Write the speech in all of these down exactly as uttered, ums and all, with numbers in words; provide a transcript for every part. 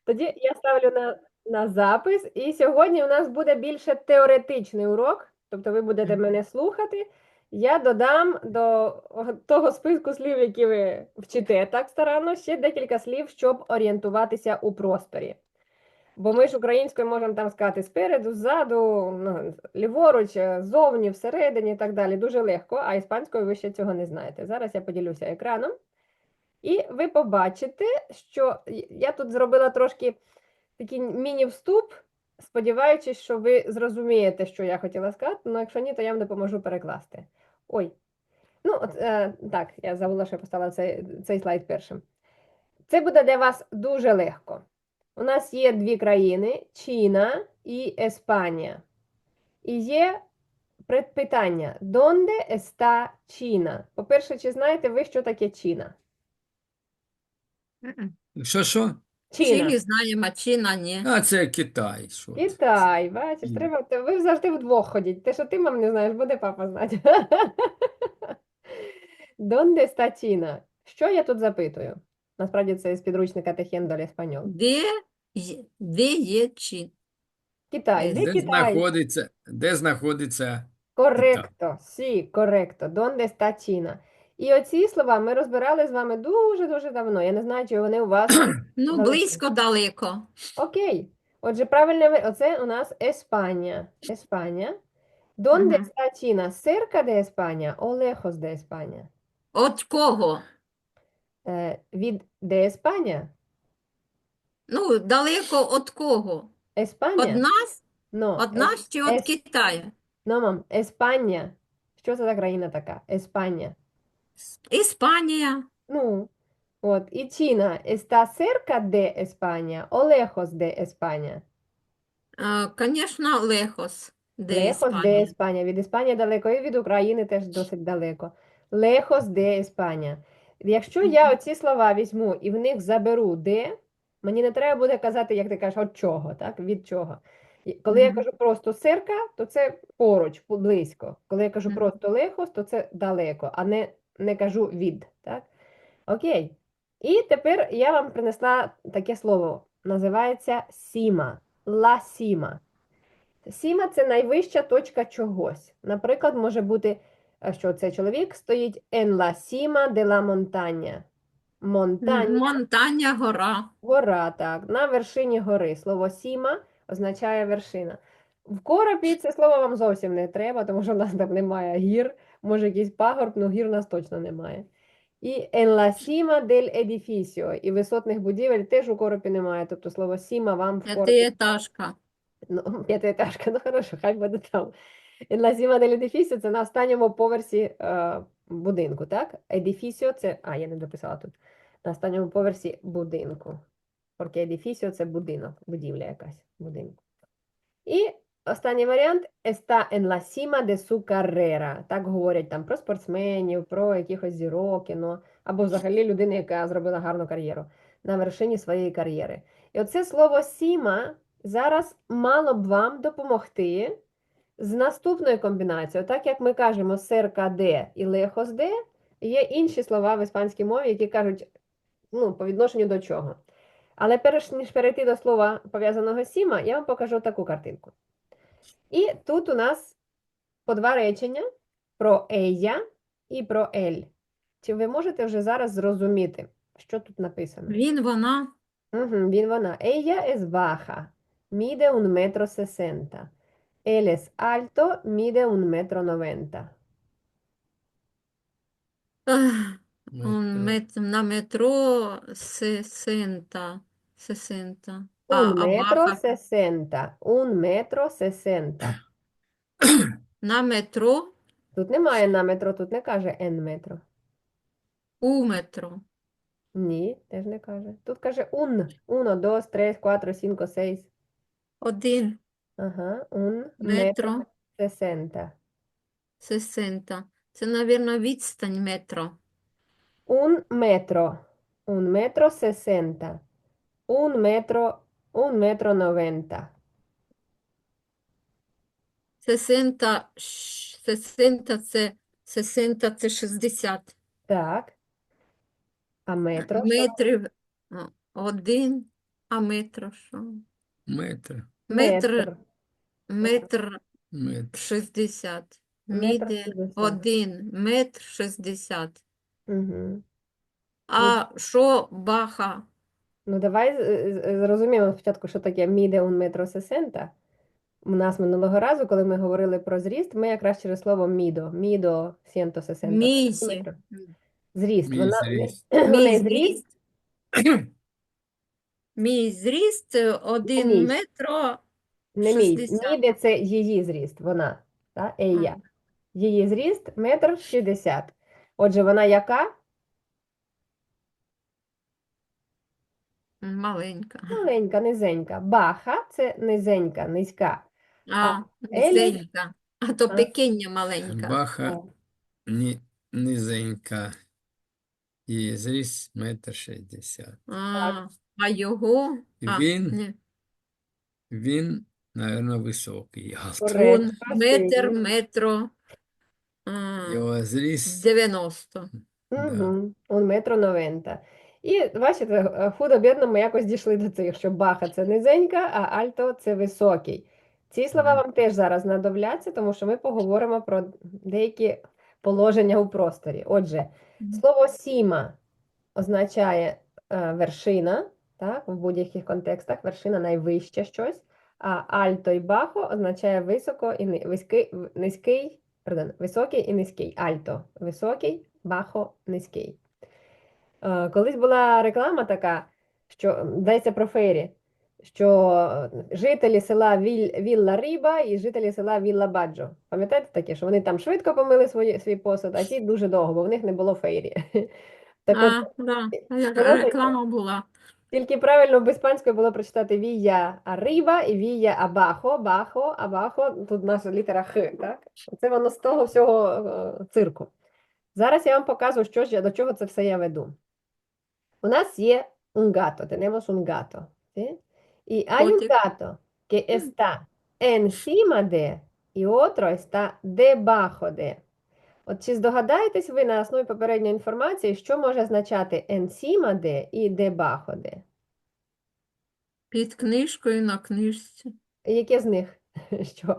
Тоді я ставлю на, на запис, і сьогодні у нас буде більше теоретичний урок, тобто ви будете мене слухати. Я додам до того списку слів, які ви вчите так старанно, ще декілька слів, щоб орієнтуватися у просторі. Бо ми ж українською можемо там сказати спереду, ззаду, ну, ліворуч, ззовні, всередині і так далі. Дуже легко, а іспанською ви ще цього не знаєте. Зараз я поділюся екраном. І ви побачите, що я тут зробила трошки такий міні-вступ, сподіваючись, що ви зрозумієте, що я хотіла сказати, але якщо ні, то я вам допоможу перекласти. Ой, ну от, е, так, я забула, що я поставила цей, цей слайд першим. Це буде для вас дуже легко. У нас є дві країни, Чина і Іспанія. І є питання, «Донде está Чина?» По-перше, чи знаєте ви, що таке Чина? Мгм. Що, що? Чина. Чилі знаємо, а Чина ні. А, це Китай. Що це? Китай, бачиш, Чина. треба, те- ви завжди вдвох ходіть. Те, що ти, мам, не знаєш, буде папа знати. Донде está Чина? Що я тут запитую? Насправді це з підручника Техен до Еспаньол. Де, є- де є Чина? Китай, де Де Китай? знаходиться, де знаходиться Коректо, сі, коректо. Донде está Чина? І оці слова ми розбирали з вами дуже-дуже давно. Я не знаю, чи вони у вас Ну, залишились. близько, далеко. Окей. Отже, правильне, ви- оце у нас Еспанія. Еспанія. Донде Мгм. está Чина? Cerca de España o lejos de España? От кого? Е, від де Еспанія? Ну, далеко от кого? Од Еспанія? нас? Но, Од нас чи от ес- Китаю? но, мам, Еспанія. Що це за країна така? Еспанія. Іспанія. Ну, от, і Чина. Está cerca de España o lejos de España? Звісно, лехос. Де Lejos de Іспанія? España. Від Іспанії далеко, і від України теж досить далеко. Lejos de España. Якщо я оці слова візьму і в них заберу де, мені не треба буде казати, як ти кажеш, от чого, так? Від чого. І Коли я Мгм. кажу просто серка, то це поруч, пу- близько. Коли я кажу Мгм. просто лехос, то це далеко, а не, не кажу від, так? Окей. І тепер я вам принесла таке слово. Називається сіма. Ла сіма. Сіма – це найвища точка чогось. Наприклад, може бути, е, що цей чоловік стоїть en la cima de la montaña. Монтання Монтання, гора. – гора, так, на вершині гори. Слово сіма означає вершина. В коропі це слово вам зовсім не треба, тому що в нас там немає гір. Може якийсь пагорб, але гір у нас точно немає. І en la cima del edificio. І висотних будівель теж у коропі немає. Тобто слово сіма вам в коропі. П'ятиетажка. Ну, п'ятиэтажка, ну хорошо, хай буде там. La cima del edificio – це на останньому поверсі е, будинку, так? Edificio – це, а, я не дописала тут. На останньому поверсі будинку. Porque edificio – це будинок, будівля якась, будинку. І останній варіант – está en la cima de su carrera. Так говорять там про спортсменів, про якихось зірок, кіно, або взагалі людини, яка зробила гарну кар'єру, на вершині своєї кар'єри. І оце слово «сіма» зараз мало б вам допомогти з наступною комбінацією. Так як ми кажемо «cerca de» і «lejos de», є інші слова в іспанській мові, які кажуть, ну, по відношенню до чого. Але перш ніж перейти до слова пов'язаного з «сіма», я вам покажу таку картинку. І тут у нас по два речення про «ella» і про «él». Чи ви можете вже зараз зрозуміти, що тут написано? Він, вона. Угу, він, вона. Ella es baja, mide un metro sesenta. Él es alto, mide un metro noventa. Ех, Метро. он мет, на метро сесента. Сесента. А, Un а metro баха sesenta. Un metro sesenta. на метро Тут немає на метро, тут не каже en метро. у метро. Ні, теж не каже. Тут каже un. Uno, dos, tres, cuatro, cinco, seis. Один Ага, un metro метро sesenta. сесента. Це, мабуть, відстань метро. Un metro. Un metro sesenta. Un metro, un metro noventa. Сесента, ш- сесента це, сесента це шістдесят. Так. А метро що? Метрів а, один. А метро що? Метр. Метр, Метр. метр Метр. шістдесят. Метр Міде шістдесят. один метр шістдесят. Угу. А що баха? Ну, давай з- з- зрозуміємо спочатку, що таке міде un metro sessenta. У нас минулого разу, коли ми говорили про зріст, ми якраз через слово мідо, мідо сто шістдесят Мій, сантиметрів. Зріст, Мій вона, зріст. у мій неї зріст, зріст, мій зріст не один мій, метро не мій. шістдесят. Міде це її зріст, вона, та, ея. М, Її зріст метр шістдесят. Отже, вона яка? Маленька. Маленька, низенька. Баха це низенька, низька. А А, елі, низенька. А то а, пекіння маленька. Баха а, ні, низенька. Її зріст метр шістдесят. А, а його? А, Він, не. він, напевно, високий. Галт. коректно, Он красивий. метр, метро а, Його зріст, дев'яносто. да. Угу. Un metro noventa. І бачите, е, худо-бідно ми якось дійшли до цих, що баха це низенька, а альто це високий. Ці слова Мгм. вам теж зараз знадобляться, тому що ми поговоримо про деякі положення у просторі. Отже, слово сіма означає е, вершина, так, в будь-яких контекстах вершина найвище щось, а альто і бахо означає високо і ни- виський, в- низький, пардон, високий і низький. Альто високий, бахо низький. Е, Колись була реклама така, що м, йдеться про фейрі, що е, жителі села Віль, Вілла Ріба і жителі села Вілла Баджо. Пам'ятаєте таке, що вони там швидко помили свої, свій посуд, а ті дуже довго, бо в них не було фейрі. Так от, А, да, вона реклама була. тільки правильно в іспанською було прочитати Вія Arriba і Вія Абахо, Бахо, Абахо, тут наша літера Х, так? Це воно з того всього е, цирку. Зараз я вам покажу, що ж я, до чого це все я веду. У нас є un gato, tenemos un gato, ¿sí? Y hay un Котик. gato que está encima de y otro está debajo de. От чи здогадаєтесь ви на основі попередньої інформації, що може означати encima de і debajo de? Під книжкою на книжці. Яке з них? Що?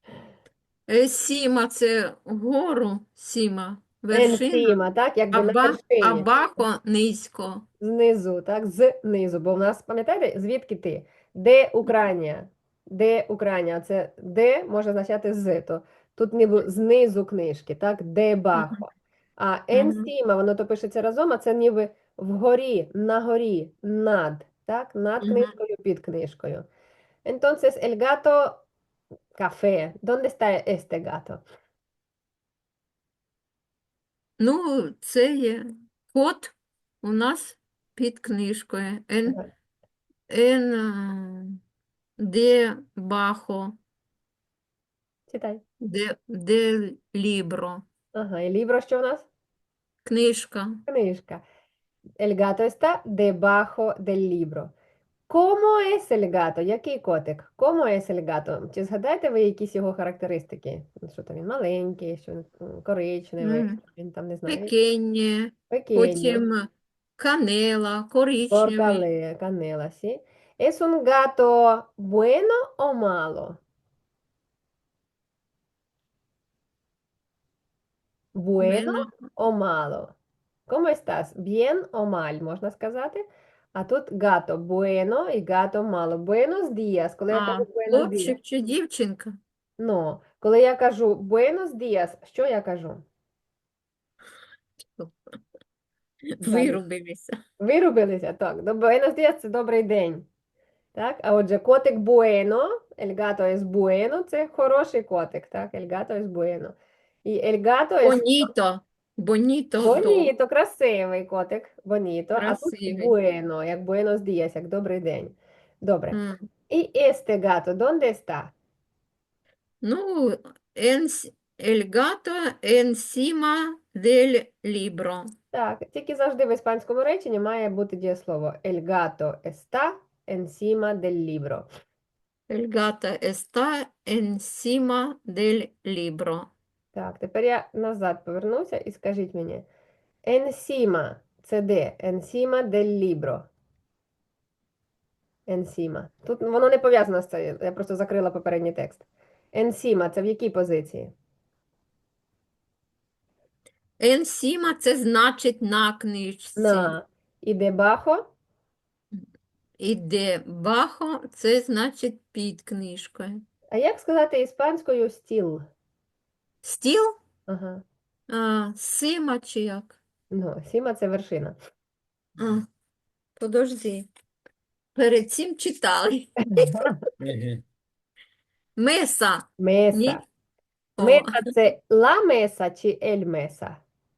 Е, Сіма це вгору, сіма, вершина, Encima, так? Якби а, на ба, а вершині. бако низько. Знизу, так? Знизу. Бо в нас, пам'ятаєте, звідки ти? Де Україна? Де Україна? Це де може означати з. То тут ніби знизу книжки, так? Де бахо. А encima, воно то пишеться разом, а це ніби вгорі, на горі, над. Так? Над Мгм. книжкою, під книжкою. Entonces, el gato café. ¿Dónde está este gato? Ну, це є кот у нас під книжкою. Ен, Ага. ен а, де бахо, Читай. де, де лібро. Ага, і libro що в нас? Книжка. Книжка. El gato está debajo del libro. ¿Cómo es el gato? Який котик? ¿Cómo es el gato? Чи згадаєте ви якісь його характеристики? Ну, що там він маленький, що він м, коричневий, М, що він там не знаю, Пекіння, pequeño, потім канела, коричневий. porcale, canela, ¿sí? ¿Es un gato bueno o malo? Bueno Bueno, o malo? ¿Cómo estás? ¿Bien o mal? Можна сказати. А тут gato bueno і gato malo. Buenos días. Коли я а кажу buenos días. хлопчик чи дівчинка? Ну, коли я кажу buenos días, що я кажу? Далі. Вирубилися. Вирубилися? Так. До buenos días – це добрий день. Так? А отже, котик bueno, el gato es bueno, це хороший котик, так? El gato es bueno. І el gato es Боніто. Боніто хто? bonito, красивий котик, bonito, а тут Красивий. bueno, як buenos días, як добрий день. Добре. М. І este gato, ¿dónde está? Ну, енс, el gato encima del libro. Так, тільки завжди в іспанському реченні має бути дієслово El gato está encima del libro. El gato está encima del libro. Так, тепер я назад повернуся і скажіть мені. Encima – це де? Encima del libro. Енсіма. Тут воно не пов'язано з цією, я просто закрила попередній текст. Енсіма це в якій позиції? Енсіма це значить на книжці. На. І дебахо? І дебахо це значить під книжкою. А як сказати іспанською стіл? Стіл? Ага. А, сима чи як? Ну, сіма це вершина. А, подожди. Перед цим читали. Еге. Меса. Меса. Ні? О, Меса це ла меса чи ель меса?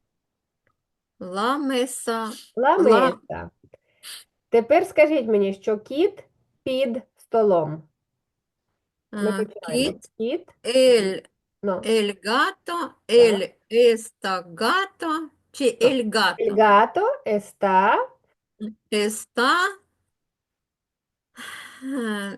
ла меса. Ла Ла. меса. Тепер скажіть мені, що кіт під столом. Ми А, починаємо. кіт. Кіт. Ель. Ну, Ель гато. Ель еста гато. Чи ель el гато? gato está Еста е,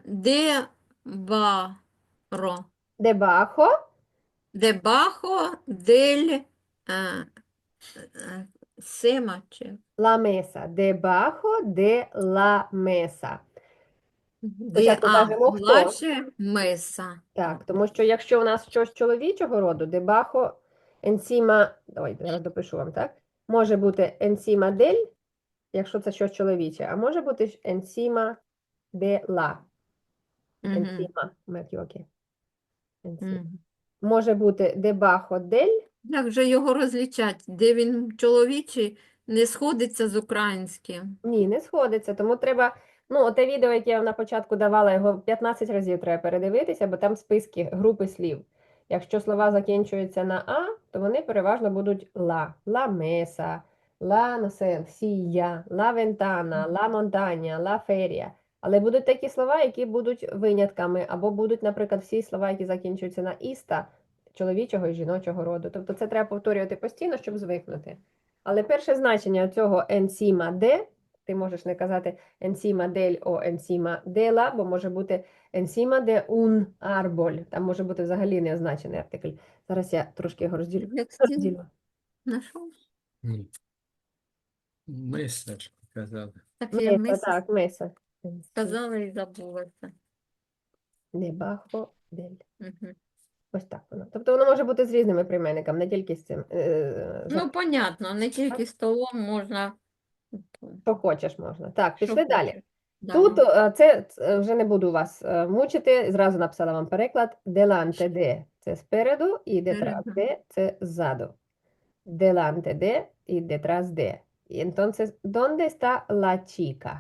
дебаро. debajo Дебахо дель е, е, сема чи la mesa. Debajo de la mesa. де Спочатку а, кажемо хто. плаче меса. Так, тому що якщо у нас щось чоловічого роду, debajo encima, ой, зараз допишу вам, так? Може бути encima del, якщо це щось чоловіче, а може бути ж encima de la. Мгм, Encima, me equivoqué. Encima. мгм. Може бути debajo del, Як же його розлічать? Де він чоловічий, не сходиться з українським. ні, не сходиться, тому треба, ну, оте відео, яке я вам на початку давала, його п'ятнадцять разів треба передивитися, бо там списки, групи слів. Якщо слова закінчуються на А, то вони переважно будуть ла. Ла меса, ла, no sé, сія, ла вентана, ла монтаня, ла ферія. Але будуть такі слова, які будуть винятками, або будуть, наприклад, всі слова, які закінчуються на іста, чоловічого і жіночого роду. Тобто це треба повторювати постійно, щоб звикнути. Але перше значення цього encima de, ти можеш не казати encima del o encima de la, бо може бути encima de un árbol. Там може бути взагалі неозначений артикль. Зараз я трошки його розділю. Як стіл розділю. знайшов? Ні. Меса ж казали. Так я Меса, мисі так, меса. сказала і забулася. Debajo del. Мгм. Ось так воно. Тобто воно може бути з різними прийменниками, не тільки з цим. Е, за Ну, понятно, не тільки столом можна. що хочеш можна. Так, Що пішли далі. хочеш. Да. Тут е, це е, вже не буду вас е, мучити, зразу написала вам переклад. Delante de – це спереду, і detrás Спереду. de – це ззаду. Delante de і detrás de. Y entonces, ¿dónde está la chica?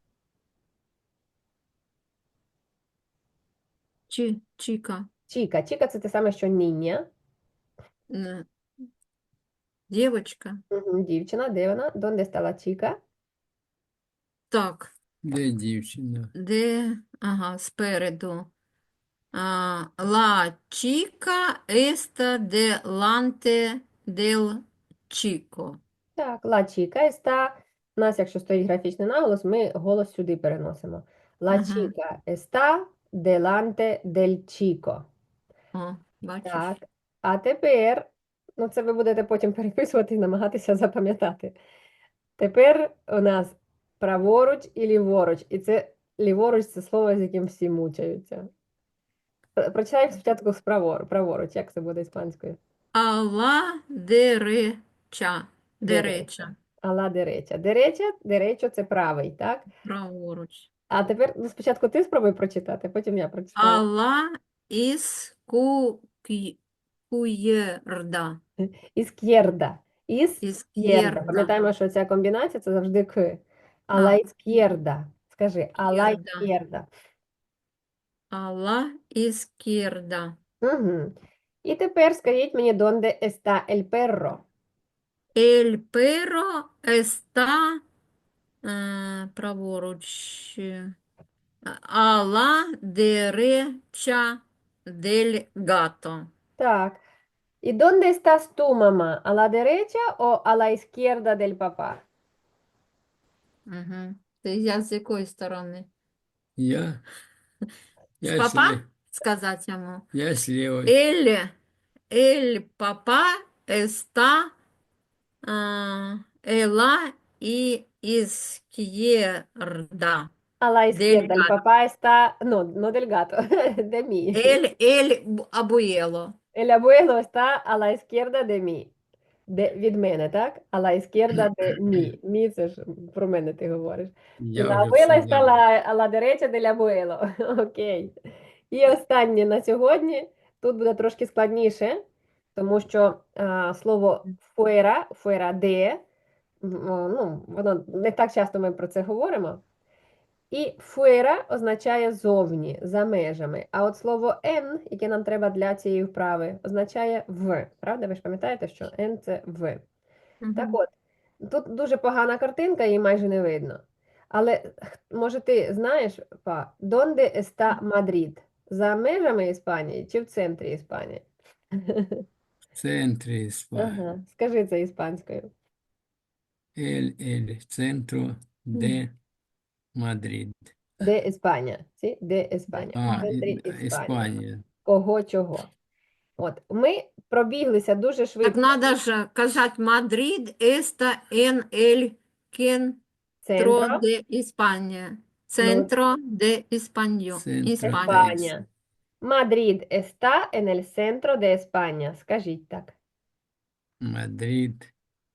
Чи, чіка. Chica. Chica – це те саме, що ніння. Н- Дівочка. Мгм, дівчина, де вона? ¿Dónde está la chica? Так, Де дівчина? де, ага, спереду. А, la chica está delante del chico. Так, la chica está. У нас, якщо стоїть графічний наголос, ми голос сюди переносимо. La Ага. chica está delante del chico. О, бачиш? Так. А тепер, ну це ви будете потім переписувати і намагатися запам'ятати. Тепер у нас праворуч і ліворуч. І це ліворуч це слово, з яким всі мучаються. Про- Прочитаємо спочатку з правор, праворуч, як це буде іспанською? А la derecha. Дереча. Ала дереча. Дереча, деречо це правий, так? Праворуч. А тепер ну, спочатку ти спробуй прочитати, потім я А прочитаю. la izquierda. Ізкєрда. Ізкєрда. Ізкєрда. Пам'ятаємо, що ця комбінація це завжди к. Ала А. ізкєрда. Скажи, ала Ізкєрда. ізкєрда. А la izquierda. Угу. І тепер скажіть мені, донде está el perro? El perro está е, праворуч. е, А la derecha del gato. Так. ¿Y dónde estás tú, mamá? ¿A la derecha o a la izquierda del papá? Угу. Ти я з якої сторони? Я? З Я папа? слі- Сказати йому. Я з лівої. El, el papá está а, en la izquierda. A la izquierda, el Delgado. papá está, no, no del gato, de mí. El, el б- abuelo. El abuelo está a la izquierda de mí. De, від мене, так? A la izquierda de mí. Мі, це ж про мене ти говориш. І Я la вже abuela все está a забув. la, a la derecha del abuelo. Окей. І останнє на сьогодні. Тут буде трошки складніше, тому що а, слово fuera, fuera de, м, о, ну, воно не так часто ми про це говоримо. І fuera означає зовні, за межами. А от слово en, яке нам треба для цієї вправи, означає в. Правда? Ви ж пам'ятаєте, що en – це в. Так Мгм. от, тут дуже погана картинка, її майже не видно. Але х- може ти знаєш, па, donde está Madrid? За межами Іспанії чи в центрі Іспанії? В центрі Іспанії. Ага, скажи це іспанською. El, el centro de Madrid. Де Іспанія? Сі? Де Іспанія? В А, центрі і- Іспанії. Іспанія. Кого чого? От, ми пробіглися дуже Так швидко. надо же казать Мадрид, esta en el centro Центро, de España. ну, Centro de España. Центро España. де Іспанія. Мадрид está en el centro de España. Скажіть так. Мадрид.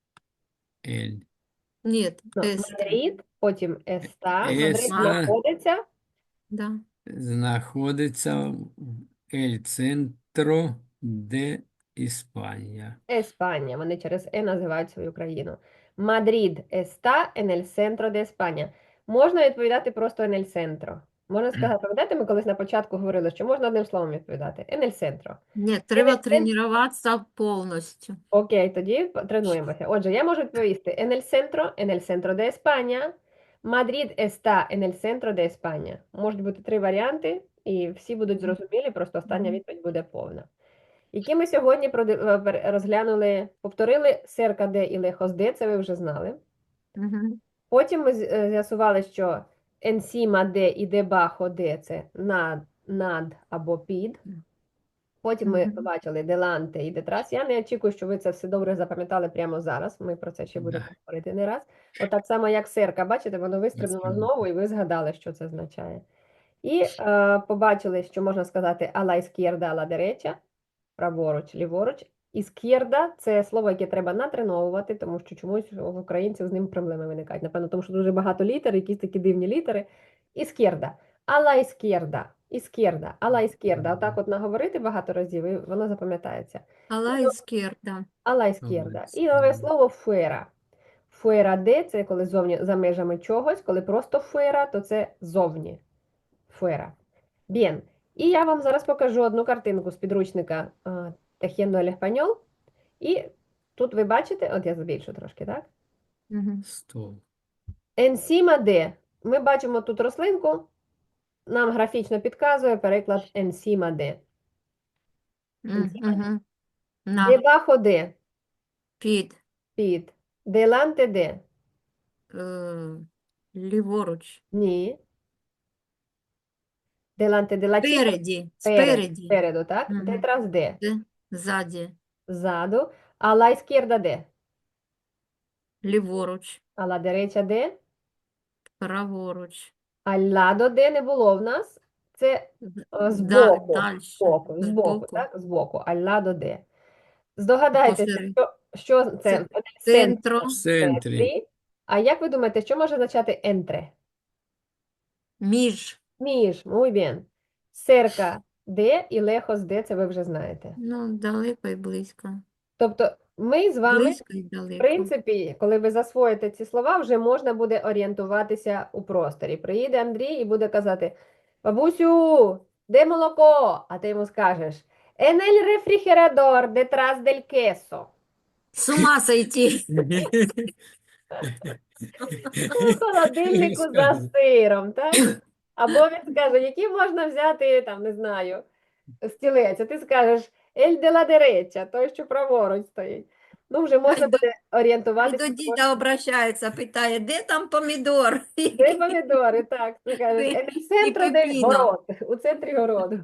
El. Нет, Ну, este. Мадрид, потім está. Мадрид Еста. знаходиться. Да. Знаходиться в El Centro de Іспанія. Еспанія. Вони через Е називають свою країну. Мадрид está en el centro de España. Можна відповідати просто en el centro. Можна сказати, пам'ятаєте, ми колись на початку говорили, що можна одним словом відповідати. En el centro. Нет, треба тренуватися повністю. Окей, тоді тренуємося. Отже, я можу відповісти en el centro, en el centro de España. Madrid está en el centro de España. Можуть бути три варіанти, і всі будуть зрозумілі, просто остання Мгм. відповідь буде повна. Які ми сьогодні проди- е, пер- розглянули, повторили cerca de і lejos de, це ви вже знали. Мгм. Потім ми з- е, з'ясували, що encima de і debajo de – це над, над або під. Потім ми Мгм. побачили деланте і детрас. Я не очікую, що ви це все добре запам'ятали прямо зараз. Ми про це ще будемо Да. говорити не раз. От так само, як серка, бачите, воно вистрибнуло Вистрибнуло. знову, і ви згадали, що це означає. І е, побачили, що можна сказати a la izquierda, a la derecha, праворуч, ліворуч. Ізкєрда – це слово, яке треба натреновувати, тому що чомусь в українців з ним проблеми виникають. Напевно, тому що дуже багато літер, якісь такі дивні літери. Ізкєрда. А ла ізкєрда. Ізкєрда. А ла ізкєрда. Отак от наговорити багато разів, і воно запам'ятається. А la izquierda. А ла А ізкєрда. ла І нове ізкєрда. слово фуера. Фуера де – це коли зовні за межами чогось, коли просто фуера, то це зовні. Фуера. Bien. І я вам зараз покажу одну картинку з підручника а, Tejiendo el Español. І тут ви бачите, от я збільшу трошки, так? Мгм. Стол. Encima de. Ми бачимо тут рослинку, нам графічно підказує переклад encima de. М, Encima de. мгм. На, Debajo de. під, Під. Delante de. е, ліворуч, Ні. Delante de la chica. спереді, Перед. спереді, Спереду, так? Мгм. Detrás de. де, ззаді, Ззаду. A la izquierda de. ліворуч, A la derecha de. праворуч, Al lado de не було в нас. Це е, да, збоку. дальше, Збоку, збоку, збоку, так? Збоку. Al lado de. Здогадайтеся, посеред, що, що це Це в центрі, центро, В центрі. центрі. А як ви думаєте, що може означати entre? між, Між, muy bien. Cerca de і lejos de, це ви вже знаєте. ну, далеко і близько, Тобто ми з вами, близько і в далеко. принципі, коли ви засвоїте ці слова, вже можна буде орієнтуватися у просторі. Приїде Андрій і буде казати: бабусю, де молоко? А ти йому скажеш: en el refrigerador detrás del queso. З ума сойти. У холодильнику за сиром, так? Або він скаже, який можна взяти, там, не знаю, стілець, а ти скажеш «el de la derecha», той, що праворуч стоїть. Ну, вже можна Ай, до- буде І орієнтуватися. до діда обращається, питає, де там помідор? Де помідори, так, ти кажеш, І- «en el centro del пепіно. город», у центрі городу.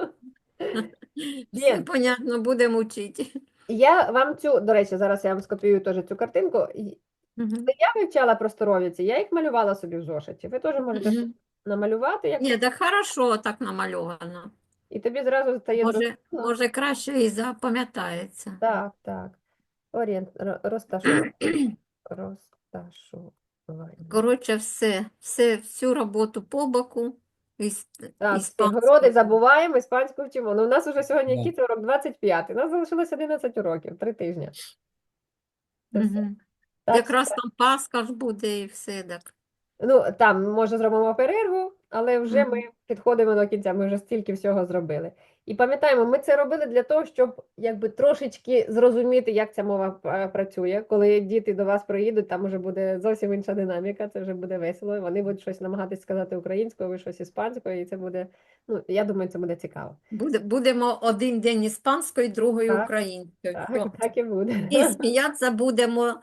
Все Bien. понятно, будемо вчити. Я вам цю, до речі, зараз я вам скопіюю теж цю картинку. І Мгм. Я вивчала просторовіці, я їх малювала собі в зошиті. Ви теж можете Мгм. намалювати, як... Ні, так хорошо так намальовано. і тобі зразу стає Може, зрозуміло. може краще і запам'ятається. Так, так. Орієнт, ро- розташування. Розташування. Коротше, все, все, всю роботу по боку. Іс- Так, всі іспанською. городи забуваємо, іспанську вчимо. Ну, у нас уже сьогодні Да. який це урок? двадцять п'ятий. У нас залишилось одинадцять уроків, три тижні. Це все. Мгм. Так, Якраз там Пасха ж буде і все так. ну, там, може, зробимо перерву, але вже ми Мгм. підходимо до кінця, ми вже стільки всього зробили. І пам'ятаємо, ми це робили для того, щоб якби трошечки зрозуміти, як ця мова е, працює. Коли діти до вас приїдуть, там вже буде зовсім інша динаміка, це вже буде весело. Вони будуть щось намагатись сказати українською, ви щось іспанською, і це буде, ну, я думаю, це буде цікаво. Буде, будемо один день іспанською, другий Так, українською. Так, Все. так і буде. І сміятися будемо.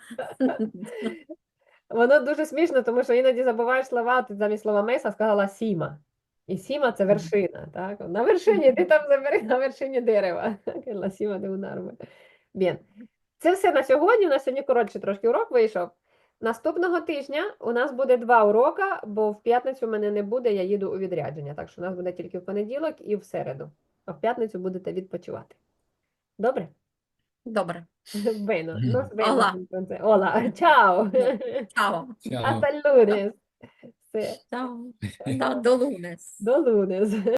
Воно дуже смішно, тому що іноді забуваєш слова, ти замість слова меса сказала сіма. І сіма це вершина, так? На вершині, ти там забери на вершині дерева. La cima de un árbol. Bien. Це все на сьогодні. У нас сьогодні коротше трошки урок вийшов. Наступного тижня у нас буде два урока, бо в п'ятницю мене не буде, я їду у відрядження. Так що у нас буде тільки в понеділок і в середу. А в п'ятницю будете відпочивати. Добре? Добре. Bene, Мгм. nos vemos Hola. entonces. Hola, ciao. Чао. Чао. Hasta el lunes. Все, Чао. Та, до лунес. до lunes.